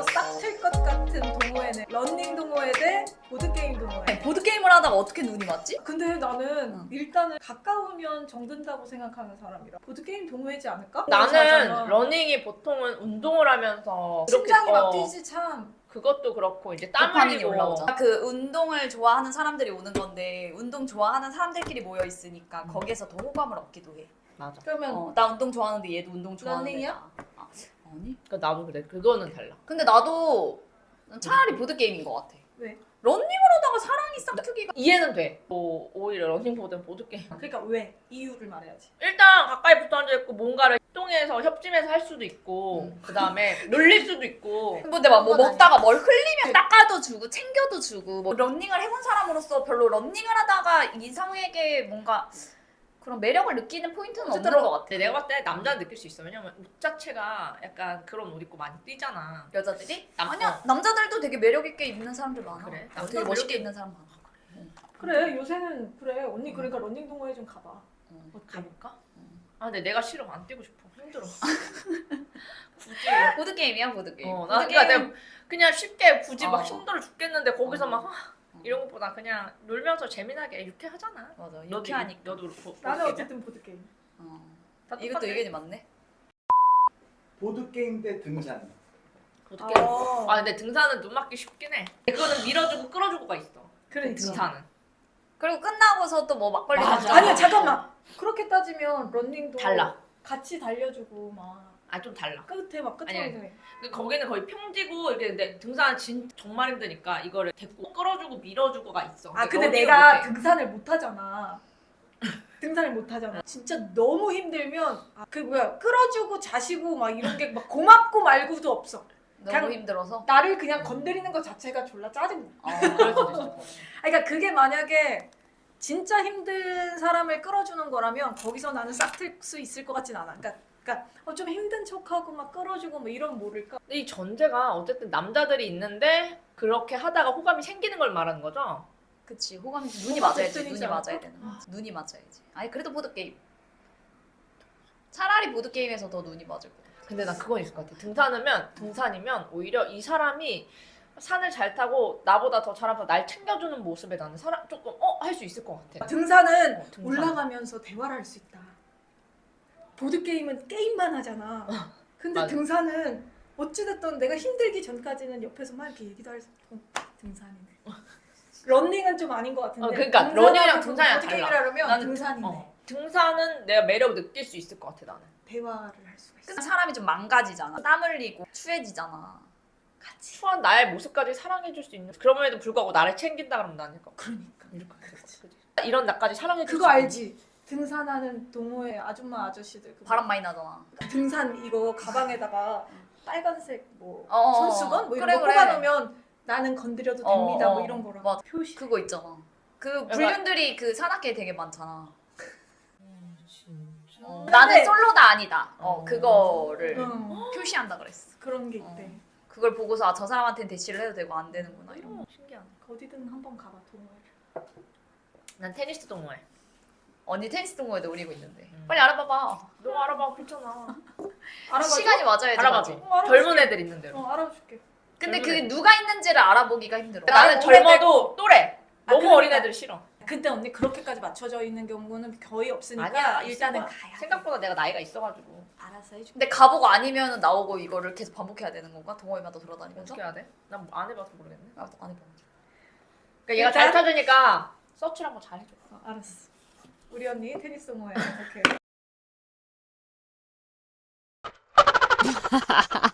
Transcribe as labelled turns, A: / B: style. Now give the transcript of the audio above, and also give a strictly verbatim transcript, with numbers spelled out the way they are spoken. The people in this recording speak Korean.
A: 여기서 싹 틀 것 같은 동호회는 런닝 동호회 대 보드게임 동호회.
B: 보드게임을 하다가 어떻게 눈이 맞지?
A: 근데 나는
B: 응.
A: 일단은 가까우면 정든다고 생각하는 사람이라 보드게임 동호회지 않을까?
C: 나는
A: 잘하잖아.
C: 러닝이 보통은 운동을 하면서
A: 심장이
C: 그렇게,
A: 막
C: 어,
A: 뛰지 참.
C: 그것도 그렇고 이제 땀
B: 도파민이
C: 흘리고
B: 올라오잖아. 그 운동을 좋아하는 사람들이 오는 건데 운동 좋아하는 사람들끼리 모여 있으니까 거기에서 더 호감을 얻기도 해.
C: 맞아.
A: 그러면
B: 어, 나 운동 좋아하는데 얘도 운동 좋아하는데.
A: 런닝이야?
B: 나. 아, 아니.
C: 그 나도 그래. 그거는 달라.
B: 근데 나도 차라리 보드 게임인 것 같아.
A: 왜?
B: 런닝을 하다가 사랑이 싹트기가.
C: 이해는 돼. 뭐 오히려 러닝보다는 보드게임.
A: 그러니까 왜? 이유를 말해야지.
C: 일단 가까이 붙어 앉아 있고 뭔가를 협동해서 협심해서 할 수도 있고
B: 음.
C: 그 다음에 놀릴 수도 있고.
B: 근데 막 뭐
A: 그건
B: 먹다가 뭘 흘리면 닦아도 주고 챙겨도 주고 뭐 런닝을 해본 사람으로서 별로 런닝을 하다가 이상에게 뭔가 그런 매력을 느끼는 포인트는 없는
A: 어쨌든
B: 것 같아.
C: 근데 내가 봤을 때 남자 느낄 수 있어. 왜냐면 옷 자체가 약간 그런 옷 입고 많이 뛰잖아.
B: 여자들이?
C: 남-
B: 아니야
C: 어.
B: 남자들도 되게 매력 있게 입는 사람들 많아.
C: 그래?
B: 어,
C: 남자
B: 되게 멋있게
C: 매력이-
B: 입는 사람 많아.
A: 그래 요새는 그래 언니 그러니까 런닝 동호회 좀 가봐.
B: 어.
A: 어때?
C: 가볼까?
B: 음.
C: 아 근데 내가 싫어. 안 뛰고 싶어. 힘들어. 굳이.
B: 보드 게임이야 보드 게임.
C: 어, 나 그러니까 내가 그냥 쉽게 굳이 막
B: 어.
C: 힘들어 죽겠는데 거기서
B: 어.
C: 막 아, 이런 것보다 그냥 놀면서 재미나게 유쾌하잖아.
B: 맞아
C: 너도
B: 유쾌하니까.
C: 이- 너도 보-
A: 나는
C: 보드게임이야?
A: 어쨌든 보드게임.
B: 어.
C: 다
B: 이것도
C: 똑같아.
B: 의견이 맞네.
D: 보드게임 대 등산.
C: 보드게임.
A: 어.
C: 아 근데 등산은 눈 맞기 쉽긴 해. 그거는 밀어주고 끌어주고가 있어.
A: 그러니까.
C: 등산은.
B: 그리고 끝나고서 또 뭐 막걸리
C: 맞아.
B: 먹자.
A: 아니야 잠깐만. 그렇게 따지면 런닝도
C: 달라.
A: 같이 달려주고 막
C: 아 좀 달라.
A: 끝에 막 끝에
C: 아니야.
A: 막
C: 그 거기는 거의 평지고 이렇게 근데 등산은 진 정말 힘드니까 이거를 데리고 끌어주고 밀어주고가 있어.
A: 아 근데
C: 여기는
A: 내가
C: 못해.
A: 등산을 못 하잖아. 등산을 못 하잖아. 진짜 너무 힘들면 아, 그 뭐야 끌어주고 자시고 막 이런 게 막 고맙고 말고도 없어.
B: 너무
A: 그냥-
B: 힘들어서.
A: 나를 그냥 건드리는 것 자체가 졸라 짜증나.
B: 어.
C: 그럴 수도 있어.
A: 아, 그러니까 그게 만약에 진짜 힘든 사람을 끌어주는 거라면 거기서 나는 싹 틀 수 있을 것 같진 않아. 그러니까, 그러니까 어, 좀 힘든 척하고 막 끌어주고 뭐 이런 모를까?
C: 근데 이 전제가 어쨌든 남자들이 있는데 그렇게 하다가 호감이 생기는 걸 말하는 거죠?
B: 그치 호감이 눈이
A: 호감
B: 맞아야지
A: 덕분이지
B: 눈이
A: 않을까?
B: 맞아야 되는 거지. 눈이 맞아야지. 아니 그래도 보드 게임. 차라리 보드 게임에서 더 눈이 맞을 것 같아.
C: 근데 난 그건 있을 것 같아. 등산이면 등산이면 오히려 이 사람이 산을 잘 타고 나보다 더 잘하면서 날 챙겨주는 모습에 나는 사람 조금 어 할 수 있을 것 같아.
A: 등산은
C: 어, 등산.
A: 올라가면서 대화를 할 수 있다. 보드 게임은 게임만 하잖아. 근데
C: 맞아.
A: 등산은 어찌됐든 내가 힘들기 전까지는 옆에서 막 이렇게 얘기도 할 수 있고 등산이네. 런닝은 좀 아닌 것 같은데.
C: 어, 그러니까
A: 등산하고
C: 러닝이랑 등산이랑
A: 보드
C: 달라.
A: 게임이라 그러면
C: 나는
A: 등산이네.
C: 어, 등산은 내가 매력 느낄 수 있을 것 같아 나는.
A: 대화를 할 수가 있어.
B: 근데 사람이 좀 망가지잖아. 땀 흘리고 추해지잖아. 같이.
C: 추한 나의 모습까지 사랑해줄 수 있는. 그럼에도 불구하고 나를 챙긴다 그러면 나는 이거
A: 그러니까.
C: 이렇게 그치. 이런 나까지 사랑해줄
A: 그거
C: 수 있는.
A: 알지? 등산하는 동호회 아줌마 아저씨들 그거.
B: 바람 많이 나잖아.
A: 등산 이거 가방에다가 빨간색 뭐
B: 어, 어,
A: 손수건 뭐 이런
B: 그래,
A: 거
B: 그래.
A: 뽑아놓으면 나는 건드려도
B: 어,
A: 됩니다
B: 어,
A: 뭐 이런 거랑
B: 맞아.
A: 표시.
B: 그거 있잖아. 그 불륜들이 그 산악회에 되게 많잖아.
C: 음, 진짜.
B: 어,
A: 근데-
B: 나는 솔로다 아니다. 어
C: 어.
B: 그거를
A: 응,
B: 표시한다 그랬어.
A: 그런 게
B: 어.
A: 있대.
B: 그걸 보고서 아, 저 사람한테는 대시를 해도 되고 안 되는구나 이런 거.
C: 어, 신기하네.
A: 어디든 한번 가봐 동호회.
C: 난 테니스 동호회.
B: 언니 테니스 동호회도 오리고 있는데
C: 음.
B: 빨리 알아봐봐.
C: 너 알아봐 그렇잖아.
A: 알아봐줘?
B: 시간이 맞아야지.
C: 알아봐줘.
B: 맞지?
A: 어, 알아볼게.
C: 젊은 애들 있는 대로.
A: 어 알아줄게.
B: 근데
C: 젊은
B: 그게
C: 애들.
B: 누가 있는지를 알아보기가 힘들어.
C: 나는
A: 나는
C: 젊어도 또래.
A: 아,
C: 너무
A: 그러니까.
C: 어린 애들 싫어.
A: 근데 언니 그렇게까지 맞춰져 있는 경우는 거의 없으니까
C: 아니야
A: 일단은
C: 있을 거야.
A: 가야 돼.
C: 생각보다 내가 나이가 있어가지고
A: 알아서 해줄게.
B: 근데 가보고 아니면 나오고 이거를 계속 반복해야 되는 건가? 동호회마다 돌아다니면서?
C: 어떻게 해야 돼? 난 안 해봐서 모르겠네.
B: 나도 안 해봐.
C: 그러니까 얘가 잘
A: 일단-
C: 타주니까 서치를 한번 잘 해줘.
A: 어, 알았어. 우리 언니 테니스 동호회 오케이.